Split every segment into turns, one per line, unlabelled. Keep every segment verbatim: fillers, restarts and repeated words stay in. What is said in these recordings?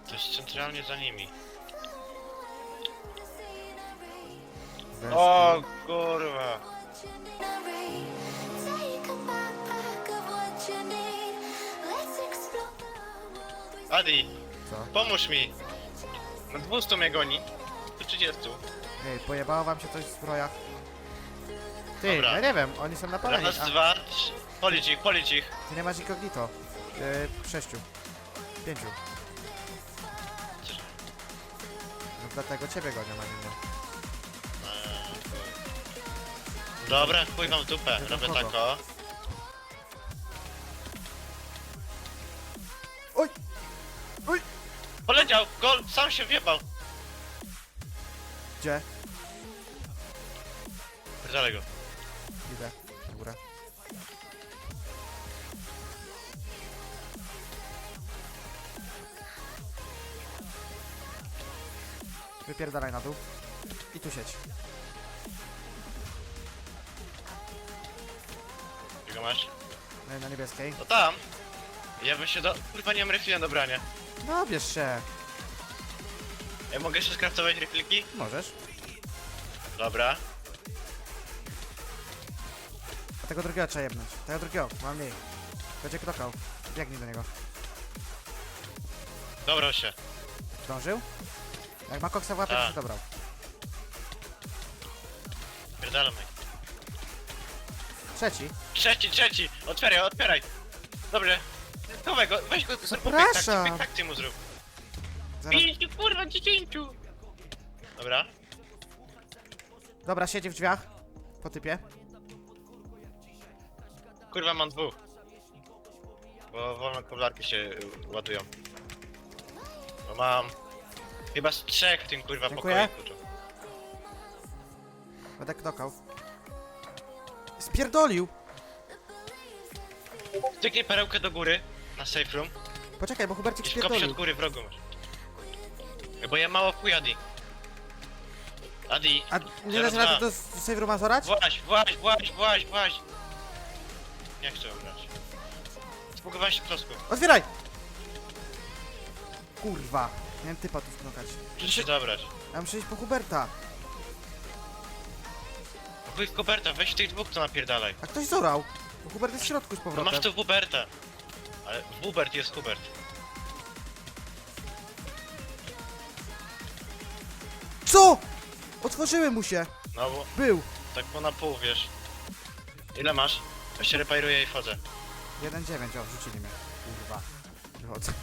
To jest centralnie za nimi.
Weź,
O kurwa. Adi,
Co?
pomóż mi. Na dwieście mnie goni. Tu trzydzieści.
Ej, pojebało wam się coś w zbrojach? Ty,
Dobra.
ja nie wiem, oni są napaleni.
Raz,
A,
dwa, trzy. Policz ich, policz ich.
ty nie masz incognito. Yy, sześciu. Pięciu. No dlatego ciebie gonią, a nie mnie.
Eee, chuj. Dobra, chuj wam w dupę.
Nie
Robię
wiem
tak
kogo.
o.
Oj! Oj!
Poleciał! Gol! Sam się wjebał!
Gdzie?
Dalej go.
Idę. Na górę. Wypierdalaj na dół. I tu sieć.
Czego masz?
No i na niebieskiej.
No tam! Ja bym się do... Kurwa, nie mam refila do brania.
No bierz się.
Ja mogę jeszcze skraftować refilki?
Możesz.
Dobra.
A tego drugiego trzeba jebnąć. Tego drugiego, mam mniej. Będzie knokał. Biegnij do niego.
Dobrał się.
Zdążył? Jak ma koksa w łapie, to
Tak.
się dobrał.
Pierdalamy.
Trzeci.
Trzeci, trzeci! Otwieraj, otwieraj! Dobrze. Chowaj go, weź go, zrób mu
Zapraszam.
pięktakcję, pięktakcję mu zrób.
Zaraz.
Pięciu, kurwa, dziesięciu! Dobra.
Dobra, siedzi w drzwiach. Po typie.
Kurwa, mam dwóch. Bo wolne koblarki się y, ładują. No mam... Chyba z trzech w tym kurwa
Dziękuję.
pokoju. tu.
Będę knokał. Spierdolił!
Styknij perełkę do góry, na safe room.
Poczekaj, bo Hubercik
I skop się od
spierdolił.
góry w rogu masz. Bo ja mało chuj Adi. Adi,
A nie
Zero
dasz rady
dwa.
do save rooma zorać?
właź, właź, właź, właź, właź. Nie chcę grać. Spługowałeś się klocku.
Otwieraj! Kurwa. Miałem typa tu knokać.
Muszę się dobrać.
Ja muszę iść po Huberta.
Chuj w Huberta, weź tych dwóch co napierdalaj.
A ktoś zorał. Bo Hubert jest w środku z
No
powrotem.
masz tu Huberta. Ale Hubert jest Hubert.
Co?! Otworzyły mu się!
No bo
Był!
tak po na pół, wiesz. Ile masz? Ja się reparuję i wchodzę.
jeden dziewięć, o, wrzucili mnie. Kurwa. Wychodzę.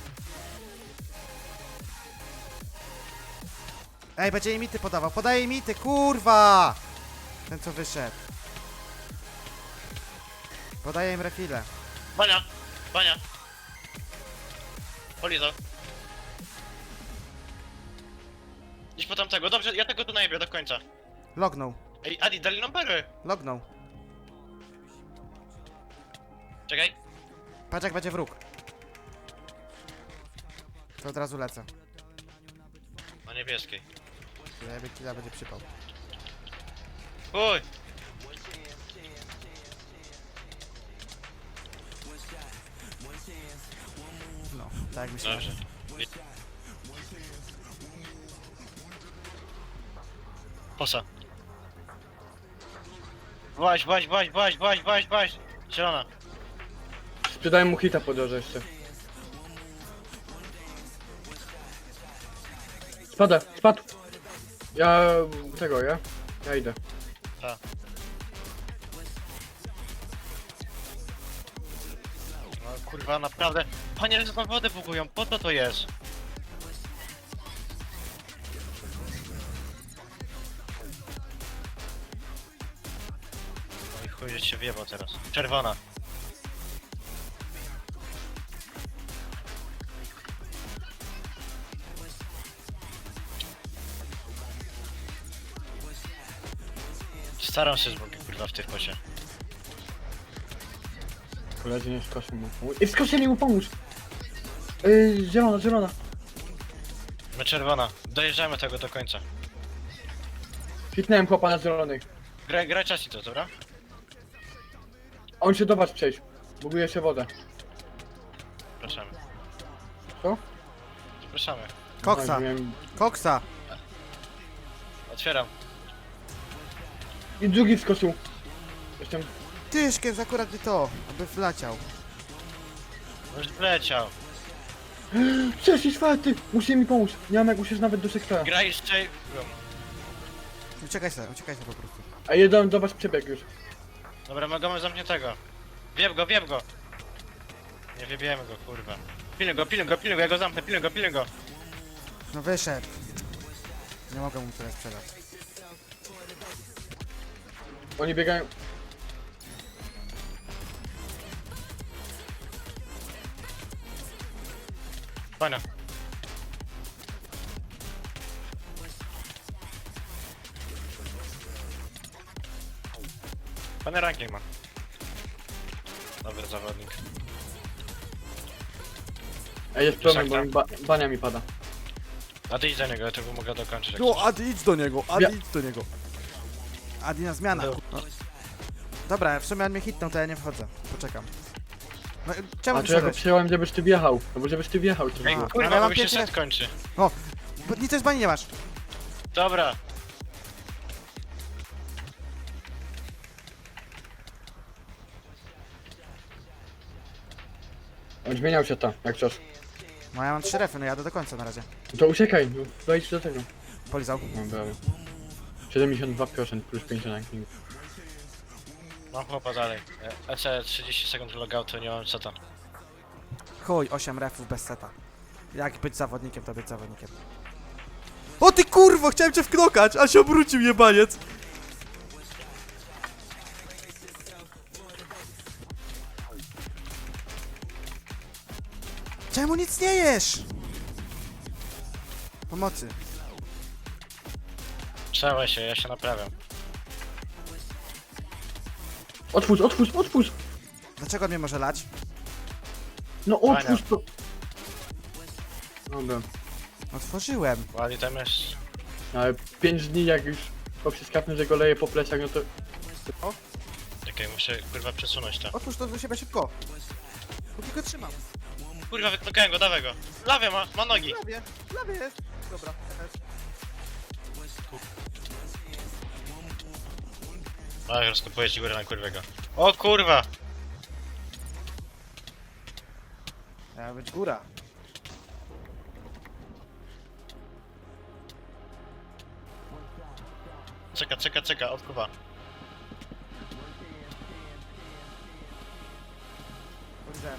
Ej, będzie imity podawał. Podaje imity, kurwa! Ten co wyszedł. Podaję im refile.
Bania! Bania! Polizał. Idź po tamtego. Dobrze, ja tego tu najebię do końca.
Lognął.
Ej, Adi, dali numery!
Lognął.
Czekaj.
Patrz jak będzie wróg. To od razu lecę.
Na niebieskiej.
Jebie killa będzie przypał.
Uj!
No, tak jak myślałem.
Dobrze. Posa. Właź, właź, właź, właź, właź, właź, właź! Zielona.
Sprzedałem mu hita po drodze jeszcze. Spada, spadł! Ja... tego, ja? Ja idę.
Ta. No kurwa, naprawdę. Panie, że tam wodę bugują, po co to jest? No i chuj, że się wjebał teraz. Czerwona. Staram się z Bogiem, kurwa, w tej pocie.
Koledzy nie skosił mu. Ej, skoczyli mu pomóż! Ej, zielona, zielona.
My czerwona. Dojeżdżamy tego do końca.
Hitnąłem chłopa na zielonej.
Graj, graj czas i to, dobra?
On się do was przejść. Buguje się wodę.
Zapraszamy.
Co?
zapraszamy.
Koksa,
No, miałem-
koksa.
Otwieram.
I drugi wskoczył. Jestem...
Tyszkiem, akurat nie to, aby wleciał.
Już wleciał.
Trzeci, czwarty! Musicie mi pomóc. Nie mam jak usiąść nawet do sektora.
Graj z J...
Uciekaj sobie, uciekaj sobie po prostu.
A jeden do was przebieg już.
Dobra, mamy zamkniętego. Wieb go, wieb go. Nie wiebiemy go, kurwa. Pilnuj go, pilnuj go, pilnuj go, ja go zamknę, pilnuj go, pilnuj go.
No wyszedł. Nie mogę mu tyle sprzedać.
Oni biegają...
Pana. Pana ranking ma. Dobry zawodnik.
Ej, jest problem, bo
Szakta.
mi ba bania mi pada.
A ty idź do niego, ja tego mogę dokończyć. jak
No,
chcesz.
Adi, idź do niego, Adi,
Ja-
idź do niego. Adi na zmianę.
No.
No. Dobra, w sumie on mnie hitnął, to ja nie wchodzę. Poczekam. No, czemu
A to ja go
wyszedłeś?
przyjąłem, żebyś ty wjechał. No bo żebyś ty wjechał, to
Ej,
było.
ale
kurwa,
mam
bo mi się
pierwsze-
set kończy.
Bo nic z bani nie masz.
Dobra.
On zmieniał się ta, jak coś.
No ja mam trzy refy, no jadę do końca na razie.
No to uciekaj, no, wejdź do tego.
Polizał.
No brawo. siedemdziesiąt dwa procent plus pięć na ranking.
Mam chłopa dalej. E C trzydzieści sekund logoutu, nie mam seta.
Chuj, osiem refów bez seta. Jak być zawodnikiem, to być zawodnikiem. O ty kurwo, chciałem cię wknokać, a się obrócił jebaniec. Czemu nic nie jesz? Pomocy.
Trzeba się, ja się naprawiam.
Otwórz, otwórz, otwórz!
Dlaczego on mnie może lać?
No otwórz to! Dobra.
Otworzyłem.
Ładnie tam jest.
Ale pięć dni jak już poprzez kapnę, że go leje po plecach, no to...
Czekaj, muszę kurwa przesunąć to.
Otwórz to do siebie szybko. Póki go trzymam.
Kurwa, wyknokałem go, dawaj go. Lawie ma, ma nogi.
Lawie, lawie jest. Dobra,
Oj, rozkopuję ci górę na kurwego. O kurwa!
miała być góra.
Czeka, czeka, czeka, odkuwa.
Powiedziałem.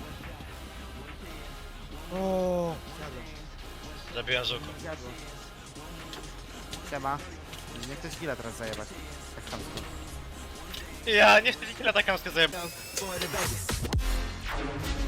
O, zjadłem,
Zabiłem zuku.
zjadłem. Siema. Nie ktoś chwilę teraz zajebać. Jak tam to.
Ja nie chcę nikogo taką zajebać.